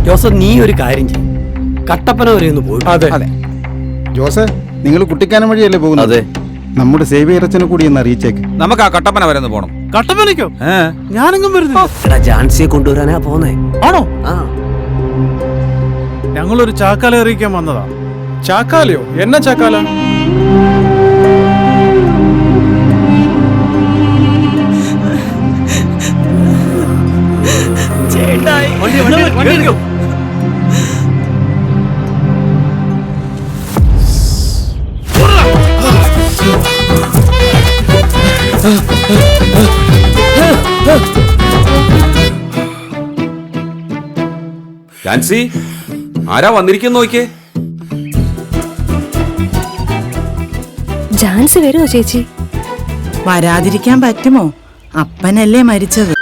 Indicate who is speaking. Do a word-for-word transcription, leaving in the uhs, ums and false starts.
Speaker 1: Joseph നീ ഒരു കാര്യം ചെയ്യും, കട്ടപ്പന വരെ ഒന്ന് പോയി.
Speaker 2: അതെ
Speaker 3: അതെ ജോസ്, നിങ്ങൾ കുട്ടിക്കാനം വഴിയല്ലേ പോകുന്നത്?
Speaker 4: അതെ.
Speaker 3: നമ്മുടെ സേവിയറച്ചനെ കൂടി ഒന്ന് അറിയിച്ചേക്ക്.
Speaker 5: നമുക്ക് ആ കട്ടപ്പന വരെ ഒന്ന് പോണം.
Speaker 2: കട്ടപ്പനയ്ക്കോ? ഞാനെങ്ങും വരുന്നില്ല.
Speaker 1: എടാ ജാൻസിയെ കൊണ്ടുവരാനാ പോന്നേ.
Speaker 2: ആണോ?
Speaker 1: ആ
Speaker 2: ഞങ്ങളൊരു ചാക്കാല അറിയിക്കാൻ വന്നതാ. ചാക്കാലയോ? എന്നാ ചാക്കാല? വണ്ടി, വണ്ടി, വണ്ടി എടുക്കൂ.
Speaker 5: ജാൻസി, ആരാ വന്നിരിക്കുന്നു നോക്കിയേ.
Speaker 6: ജാൻസി വരുമോ ചേച്ചി?
Speaker 7: വരാതിരിക്കാൻ പറ്റുമോ? അപ്പനല്ലേ മരിച്ചത്.